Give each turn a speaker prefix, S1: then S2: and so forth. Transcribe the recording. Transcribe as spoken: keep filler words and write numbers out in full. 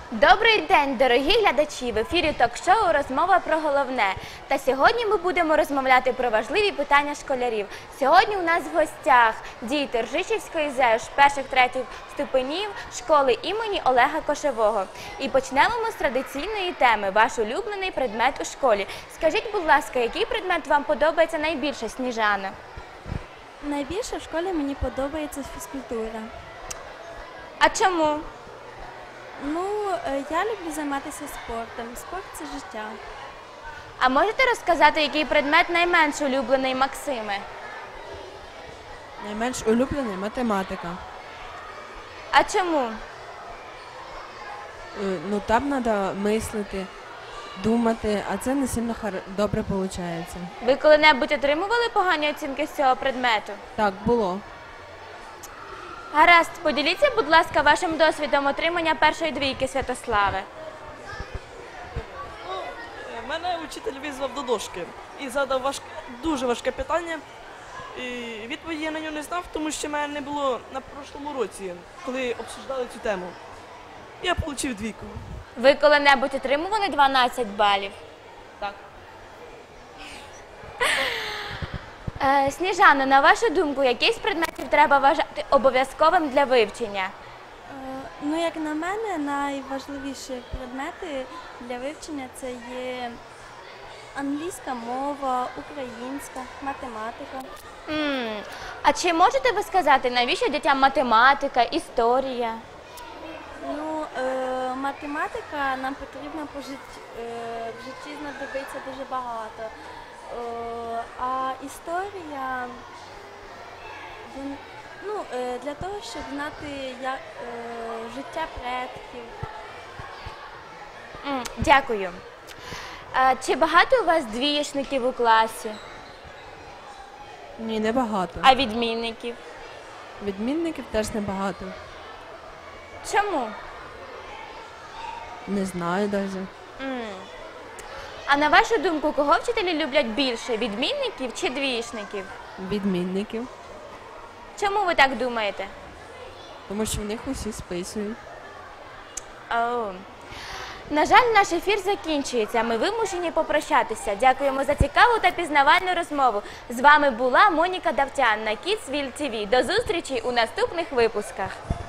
S1: Добрий день, дорогі глядачі! В ефірі ток-шоу «Розмова про головне». Та сьогодні ми будемо розмовляти про важливі питання школярів. Сьогодні у нас в гостях діти Ржичівської ЗЕШ перших-третіх ступенів школи імені Олега Кошового. І почнемо ми з традиційної теми – ваш улюблений предмет у школі. Скажіть, будь ласка, який предмет вам подобається найбільше, Сніжана?
S2: Найбільше в школі мені подобається фізкультура.
S1: А чому?
S2: Ну, е, я люблю займатися спортом. Спорт – це життя.
S1: А можете розказати, який предмет найменш улюблений Максиме?
S3: Найменш улюблений – математика.
S1: А чому?
S3: Е, Ну там треба мислити, думати, а це не сильно хар- добре виходить.
S1: Ви коли-небудь отримували погані оцінки з цього предмету?
S3: Так, було.
S1: Гаразд, поділіться, будь ласка, вашим досвідом отримання першої двійки, Святославе.
S4: Мене вчитель визвав до дошки і задав важ... дуже важке питання. І відповіді я на нього не знав, тому що мене не було на прошлому році, коли обсуждали цю тему. Я отримав двійку.
S1: Ви коли-небудь отримували дванадцять балів?
S4: Так.
S1: Е, Сніжано, на вашу думку, який з предметів треба вважати обов'язковим для вивчення?
S2: Е, ну, як на мене, найважливіші предмети для вивчення – це є англійська мова, українська, математика.
S1: М, А чи можете ви сказати, навіщо дітям математика, історія?
S2: Ну, е, математика нам потрібно по житті, е, в житті знадобиться дуже багато. Е, а історія, він- ну, е, для того, щоб знати як, е, життя предків.
S1: М, Дякую. Е, Чи багато у вас двієшників у класі,
S3: Ні, небагато.
S1: а відмінників?
S3: Відмінників теж небагато.
S1: Чому?
S3: Не знаю навіть.
S1: М. А на вашу думку, кого вчителі люблять більше, відмінників чи двієшників?
S3: Відмінників.
S1: Чому ви так думаєте?
S3: Тому що в них усі списують.
S1: Оу. На жаль, наш ефір закінчується. Ми вимушені попрощатися. Дякуємо за цікаву та пізнавальну розмову. З вами була Моніка Давтян на Kidsville ті ві. До зустрічі у наступних випусках.